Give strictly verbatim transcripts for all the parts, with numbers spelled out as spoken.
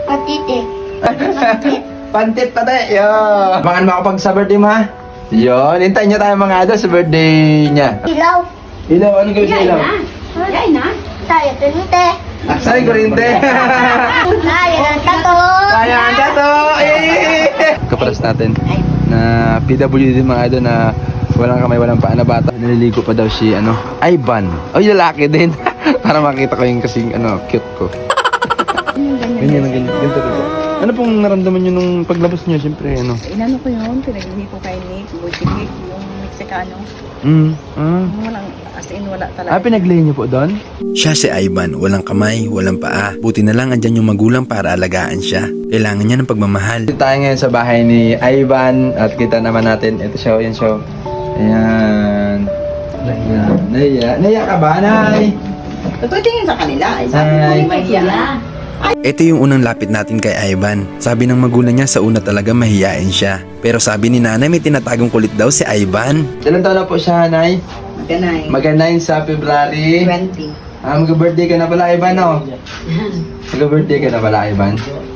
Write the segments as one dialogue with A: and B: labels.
A: Patite.
B: Pantit pa tayo. Yo. Baka makapag sa birthday mo ha? Yun, hintayin niyo tayo mga idol sa birthday niya.
A: Ilaw.
B: Ilaw, ano gawin sa ilaw?
A: Yay na. Saya tunite.
B: Ay, kurinte.
A: Saya ng tato.
B: Ayan, dato! Eh! Kaparas natin na P W D mga idol na walang kamay, walang paa na bata. Naliligo pa daw si, ano, Ivan. Ay, lalaki din. Para makita ko yung kasing, ano, cute ko. Ganyan, ganyan, ganito, ganito. Ano pong naramdaman nyo nung paglabas nyo? Siyempre, ano?
C: Inano ko yun, pinagli ko kay Nick, Buchigik, yung Mexicano.
B: Mm, ah.
C: Walang, as in, wala
B: Ah,
C: talaga.
B: pinaglay nyo po doon?
D: Siya si Ivan, walang kamay, walang paa. Buti na lang andyan yung magulang para alagaan siya. Kailangan niya ng pagmamahal.
B: Dito tayo ngayon sa bahay ni Ivan at kita naman natin. Ito siya, yan siya. Ayan. Ayan. Naiya. Naiya ka ba, Nay?
C: Totoo tingin sa kanila, ay sabi ko,
B: Ay.
C: may hiya.
D: Ito yung unang lapit natin kay Ivan. Sabi ng magulang niya sa una talaga mahiyain siya. Pero sabi ni nanay may tinatagong kulit daw si Ivan.
B: Ilan taon na po siya, Nay?
C: Ganay.
B: Mag-nine sa February.
C: twenty.
B: Ah, mag-birthday ka na pala, Ivan, no? Mag-birthday ka na pala, Ivan.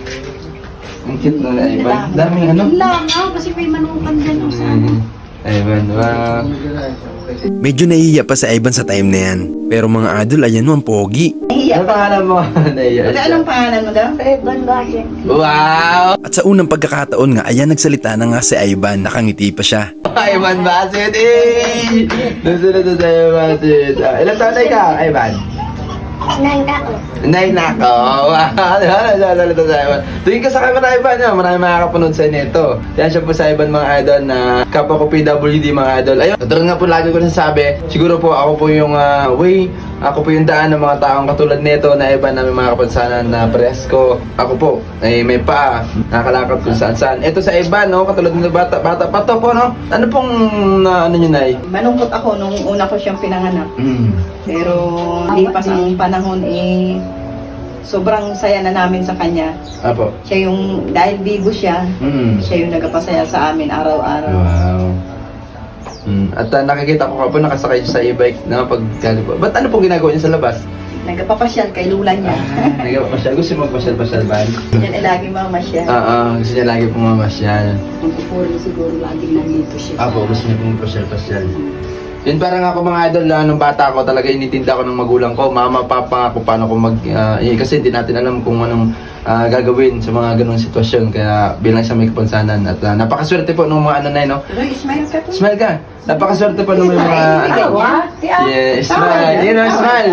B: Ang cute na, Ivan. Daming ano?
C: Lang, ah, kasi may manukan dyan.
B: Mm. Ivan, wow.
D: Medyo nahihiya pa si Ivan sa time na yan. Pero mga idol, ayan mo ang pogi.
B: Ano pangalan mo? Naiya
C: Wala,
B: siya.
C: anong pangalan mo daw?
A: Evan Basit.
B: Wow!
D: At sa unang pagkakataon nga, ayan nagsalita na nga si Ivan. Nakangiti pa siya.
B: Ivan Basit, eh! Nasunod na sa Basit. Ah, ilan taon na ikaw, Ivan?
A: Nang tao.
B: Nay nako. Wow. Nasalita sa Ivan. Tingin ka sa camera, Ivan. No? Marami makakapanood sa nito. Yan siya po sa Ivan, mga idol, na kapwa ko P W D, mga idol. Ayun, katulad nga po lagi ko nasasabi, siguro po ako po yung ah, way, ako po yung daan ng mga taong katulad nito na Ivan na may mga kapansanan na presko. Ako po, ay may paa, nakakalakad kung saan saan. Ito sa Ivan, no? Katulad nito bata, bata pa to po, no? Ano pong, na, ano nyo, Nay?
C: Malungkot ako nung una ko siyang pinanganak.
B: Mm.
C: Pero lipas ang panahon eh, sobrang saya na namin sa kanya.
B: Apo.
C: Siya yung, dahil bigo siya,
B: Mm.
C: siya yung nagpapasaya sa amin araw-araw.
B: Wow. Mm. At uh, nakikita ko ka po nakasakay siya sa e-bike na pagkali po. Ba't ano pong ginagawa niya sa labas?
C: Nagpapasyal kay lula niya.
B: Nagpapasyal. Gusto mo magpasyal-pasyal ba?
C: Yan ay lagi mamasyal.
B: Oo, gusto niya lagi pong mamasyal.
C: Magpupuro siguro laging nandito siya.
B: Apo, gusto niya pong magpasyal-pasyal. Yun parang ako mga idol, uh, nung bata ako talaga initinda ko ng magulang ko, mama, papa, kung paano ko mag, uh, eh, kasi hindi natin alam kung anong uh, gagawin sa mga ganong sitwasyon, kaya bilang sa may kapansanan at uh, napakaswerte po nung mga ano na yun, no?
C: Pero smile ka po.
B: Smile ka! Napakaswerte po nung may mga ano. Yeah, smile! Yun know, smile!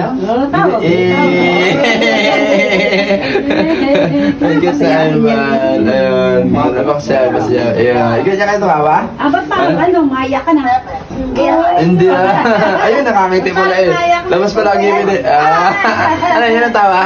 B: Eh! Thank you sa Ivan. Ayun, napakasaya pa siya. Ayun, ikaw niya kayo tumawa?
C: Ah, ba't parang ano, maya ka na?
B: Hindi ah. Ayun, nakangiti pala eh. Labas pa lagi yun eh. Ah, ano, yun ang tawa?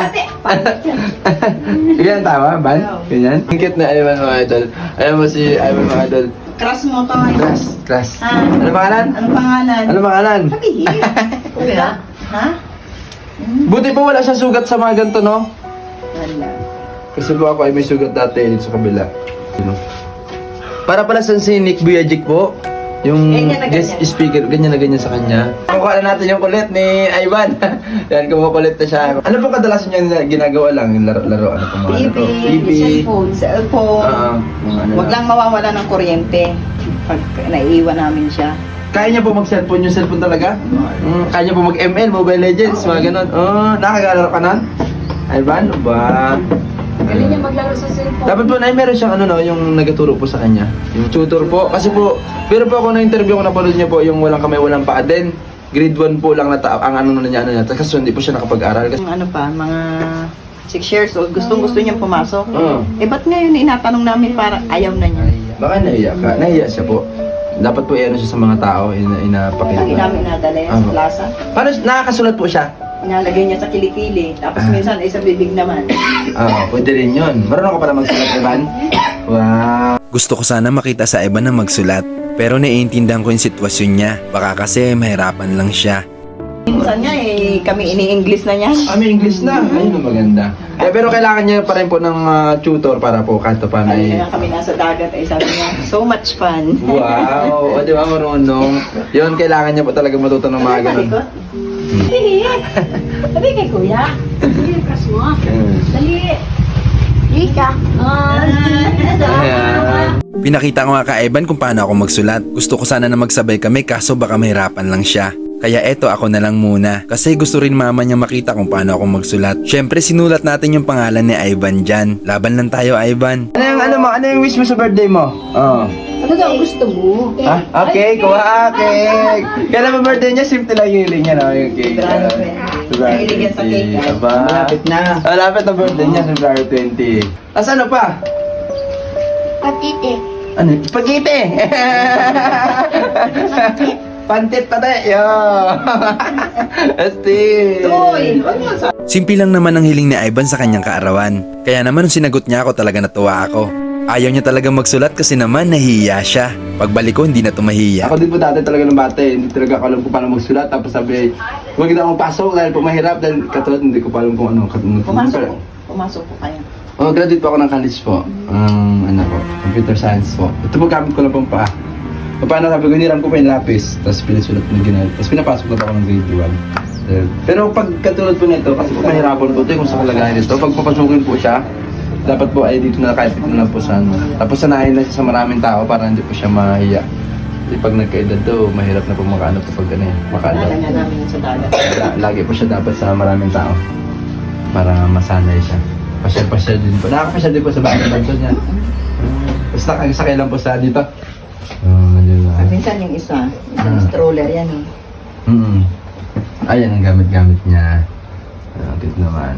B: Yan ang tawa, Ban? Ganyan? Ang cute na Ivan mga idol. Ayan mo si Ivan mga idol.
C: Crush mo to.
B: Class, class.
C: Ah.
B: Ano pangalan?
C: Anong pangalan?
B: Ano pangalan?
C: Sabihin. Kuya? Ha?
B: Buti po wala siya sugat sa mga ganito, no?
C: Wala.
B: Kasi po ako ay may sugat dati dito sa kabila. Yun. Para pala sa si Nick Buyajic po. Yung
C: Ganyan na
B: guest
C: ganyan.
B: speaker, ganyan na ganyan sa kanya. Kukuha na natin yung kulit ni Ivan. Yan, kumukulit na siya. Ano po kadalasan niya ginagawa lang? Yung laro-laro, ano po mga
C: T V,
B: laro? T V.
C: cellphone, cellphone.
B: Oo, mga ano
C: Huwag lang mawawala ng kuryente pag naiiwan namin siya.
B: Kaya niya po mag-cellphone yung cellphone talaga? Mm, kaya niya po mag-M L, Mobile Legends, mga ganun. Oh, nakagalaro ka nun? Ivan, ba?
C: Galing niya maglaro sa cellphone.
B: Dapat po na meron siyang ano no, yung nagtuturo po sa kanya. Yung tutor po. Kasi po, pero po ako na-interview ko, napanood niya po yung walang kamay, walang paa din. Grade one po lang na ta- ang ano na niya, ano niya. Kasi hindi po siya nakapag-aral. Kasi,
C: Yung ano pa, mga six years old, gustong gusto niyang pumasok.
B: Oo.
C: Eh, ba't ngayon inatanong namin para ayaw na niya?
B: baka naiya ka. Naiya siya po. Dapat po i-ano siya sa mga tao, ina
C: Lagi
B: inapakita.
C: namin nadala yan sa
B: Ano?
C: plaza.
B: Paano, nakakasulat po siya?
C: Inalagay niya sa kilikili. Tapos
B: Ah.
C: minsan ay sa bibig naman.
B: Ah, pwede rin yun. Marunong ka pala magsulat, Ivan? Wow.
D: Gusto ko sana makita sa Ivan na magsulat. Pero naiintindihan ko yung sitwasyon niya. Baka kasi mahirapan lang siya.
C: Minsan nga eh, kami ini-English na niya.
B: Ah, may English na. Ayun ang maganda. Eh, pero kailangan niya pa rin po ng ah, tutor para po kanto pa na
C: Ay, kaya kami nasa dagat ay sabi niya, so much fun.
B: Wow! O, di ba marunong? Yun, kailangan niya po talaga matuto ng mga ganun.
C: Malikot. Dali. Sabi kay kuya. Dali, kas mo.
B: Mm.
C: Dali.
A: Di? siya.
B: Ayan.
D: Pinakita ko nga kay Ivan kung paano ako magsulat. Gusto ko sana na magsabay kami kaso baka mahirapan lang siya. Kaya eto ako na lang muna kasi gusto rin mama niya makita kung paano ako magsulat. Syempre sinulat natin yung pangalan ni Ivan dyan. Laban lang tayo, Ivan.
B: Ano yung ano mo? Ano yung wish mo sa birthday mo? Oh.
C: Ano daw ang gusto mo?
B: Ah, okay, kuha cake. Kailan ba birthday niya? Simple lang yung hiling niya, no? Yung cake.
C: February twenty. Mahilig yan sa cake, ah.
B: Aba.
E: Malapit na.
B: Ah, lapit na birthday niya, February twenty. Tapos ano pa?
A: Patiti.
B: Ano? Spaghetti! Pantit pa tayo! Yo! Asti!
C: Uy! Huwag mo sa...
D: Simple lang naman ang hiling ni Ivan sa kanyang kaarawan. Kaya naman nung sinagot niya ako talaga natuwa ako. Ayaw niya talaga magsulat kasi naman nahihiya siya. Pagbalik ko hindi na tumahiya.
B: Ako din po dati talaga ng bata eh. Hindi talaga ako alam kung paano magsulat. Tapos sabi, huwag na akong pasok dahil po mahirap. Dahil katulad hindi ko pa alam kung ano. Katulad,
C: Pumasok po. Pumasok po kayo.
B: Oh, graduate po ako ng college po. Um, ano po, computer science po. Ito po gamit ko lang pong paa. Paano sabi ko, hiniram ko pa yung lapis. Tapos pinasulat ko ng ginagawa. Tapos pinapasok na po ako ng grade one. Uh, Pero pag katulad po nito, kasi po mahirapan po ito kung sa kalagayan nito. Pag papasukin po siya, dapat po ay dito na kahit dito na po sa ano. Tapos sanayin na siya sa maraming tao para hindi po siya mahiya. Kasi pag nagkaedad to, mahirap na po makaano po pag ano eh. Makaano.
C: Nalala namin yun sa dagat.
B: La- Lagi po siya dapat sa maraming tao. Para masanay siya. Pasyal-pasyal din po. Nakakapasyal din po sa bahay ng banso niya. Basta sakay lang po sa dito. Oh, yun
C: At
B: lang.
C: minsan yung isa, isang
B: Ah.
C: stroller yan eh.
B: Mm. Ayan ang gamit-gamit niya. Ah, cute naman.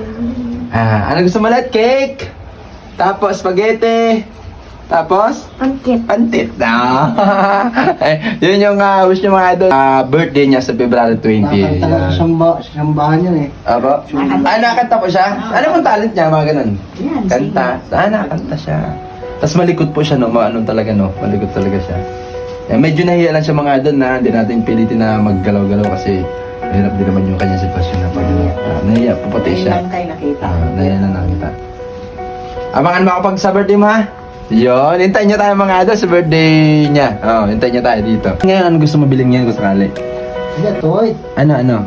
B: Ah, ano gusto mo ulit? Cake! Tapos spaghetti! Tapos?
A: Pantit.
B: Pantit na. eh, yun yung uh, wish niya mga idol. Ah, birthday niya sa February twenty.
E: Nakakanta na sa samba, sa sambahan yun eh.
B: Aba? Ah, nakakanta po siya? Ano pong talent niya? Mga ganun?
C: Yan,
B: Kanta. Ah, nakakanta siya. Tapos malikot po siya, no? Maano talaga, no? Malikot talaga siya. Eh, medyo nahiya lang siya mga idol na hindi natin pilitin na maggalaw-galaw kasi mahirap din naman yung kanyang sitwasyon na pag uh, nahiya po pati
C: Ngayon
B: siya.
C: lang tayo nakita.
B: Ah, nahiya na nakita. Abangan mo ako pag sa birthday mo, ha? Yun, hintayin niyo tayo mga idol sa birthday niya. Oo, oh, hintayin niyo tayo dito. Ngayon, ano gusto mo bilhin ngayon kung sakali?
E: Hindi, toy.
B: Ano, ano?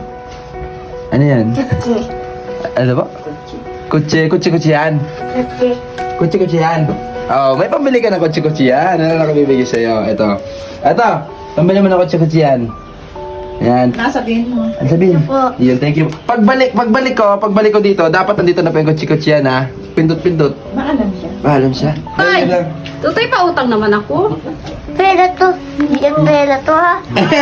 B: Ano yan?
A: Kutsi.
B: Ano ba? Kutsi, kutsi, kutsi yan.
A: Kutsi.
B: Kutsi, kutsi yan. Oh, may pambili ka ng kutsi, kutsi yan. Ano na bibigay sa'yo? Ito. Ito. Pambili mo ng kutsi, kutsi yan. Yan.
C: Nasabihin mo.
B: Ano sabihin?
A: Ito po.
B: Yun, thank you. Pagbalik, pagbalik ko, pagbalik ko dito, dapat nandito na pa yung kutsi, kutsi yan, ha? Pindot-pindot.
C: Maalam siya.
B: Maalam siya.
F: Ay!
B: Ayun lang.
F: Tutoy, pautang naman ako.
A: Pera to. Hindi yan pera to ha.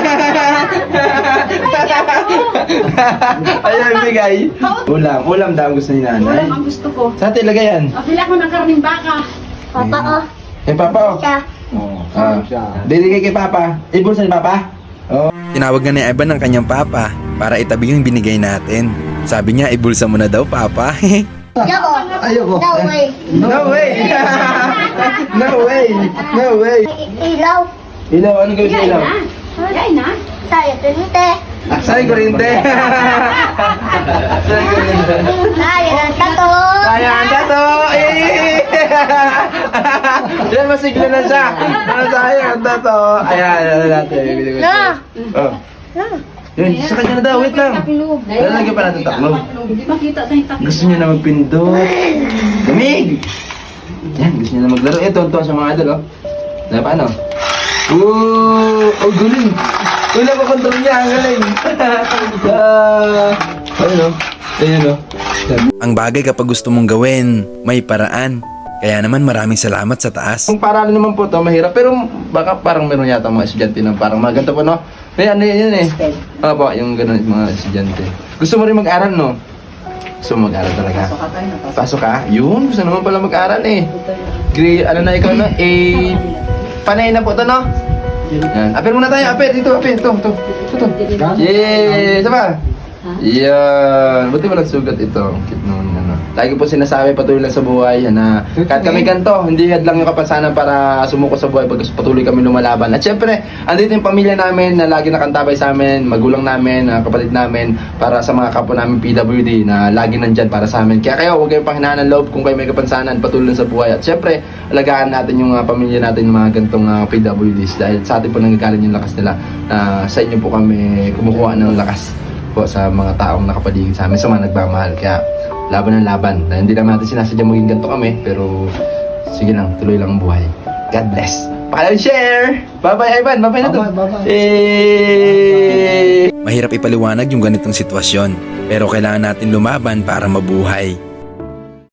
B: Ayun, bigay. Ulam. Ulam daw ang gusto ni nanay.
F: Ulam ang gusto ko.
B: Sa atin, lagay yan.
F: Pabili ako ng karning baka.
A: Papa oh.
B: Kay Papa, oh.
A: Siya.
E: Oo,
B: Ah,
E: siya.
B: bibigay kay Papa. Ibulsa ni Papa? Oh.
D: Tinawag na ni Ivan ng kanyang papa para itabi yung binigay natin. Sabi niya, ibulsa mo na daw, papa.
A: Yoko.
E: Ayoko.
A: No way.
B: No way! no way! No way!
A: I- Ilaw.
B: Ilaw, ano gawin sa
F: Yay
B: ilaw?
F: na. Yay na.
A: Saya pinite.
B: Saan yung kurente? Saan yung kurente?
A: Saya ng tato.
B: Kaya ang dato! Eh! Yan, masigla na siya. Ano tayo, ang dato? Ayan, ano natin.
A: Na.
B: Oh.
A: Na.
B: Yun, sa kanya na daw, wait lang.
F: Taklob.
B: Lalagyan pa natin taklob.
F: Hindi makita tayong taklob.
B: Gusto niya na magpindot. Lamig! Yan, gusto niya na maglaro. Eh, tonto sa mga idol, oh. Na, paano? Ooh! Oh, galing! Wala ko control niya, ang galing! Ah, ayun, oh. Ayun, oh.
D: Ang bagay kapag gusto mong gawin, may paraan. Kaya naman maraming salamat sa taas.
B: Kung parang naman po to mahirap, pero baka parang meron yata mga estudyante na parang mga ganito po, no? May ano yun eh. Opo, yung gano'n mga estudyante. Gusto mo rin mag-aral, no? Gusto mo mag-aral talaga?
C: Pasok ka tayo na pasok.
B: Pasok ka? Yun, gusto naman pala mag-aral eh. Grade, ano na ikaw, no? Eh, panay na po to, no? Yan. Aper muna tayo, aper. Dito, aper. Ito, ito. Ito, ito. Yay! Isa pa? Yan. Buti walang sugat ito. Ang cute naman, ano. Lagi po sinasabi, patuloy lang sa buhay, na kahit kami ganito, hindi hadlang yung kapansanan para sumuko sa buhay pag patuloy kami lumalaban. At syempre, andito yung pamilya namin na lagi nakantabay sa amin, magulang namin, ah, kapatid namin, para sa mga kapwa namin P W D na lagi nandyan para sa amin. Kaya kayo, huwag kayong panghinaan ng loob kung kayo may kapansanan, patuloy lang sa buhay. At syempre, alagaan natin yung ah, pamilya natin, yung mga gantong ah, P W Ds, dahil sa atin po nanggagaling yung lakas nila. Na sa inyo po kami kumukuha ng lakas po sa mga taong nakapaligid sa amin, sa mga nagmamahal. Kaya laban ng laban. Na hindi naman natin sinasadya maging ganito kami, pero sige lang, tuloy lang ang buhay. God bless. Paalam, share! Bye-bye, Ivan. Bye-bye na to.
E: Bye-bye, bye-bye.
B: Eh...
D: Mahirap ipaliwanag yung ganitong sitwasyon, pero kailangan natin lumaban para mabuhay.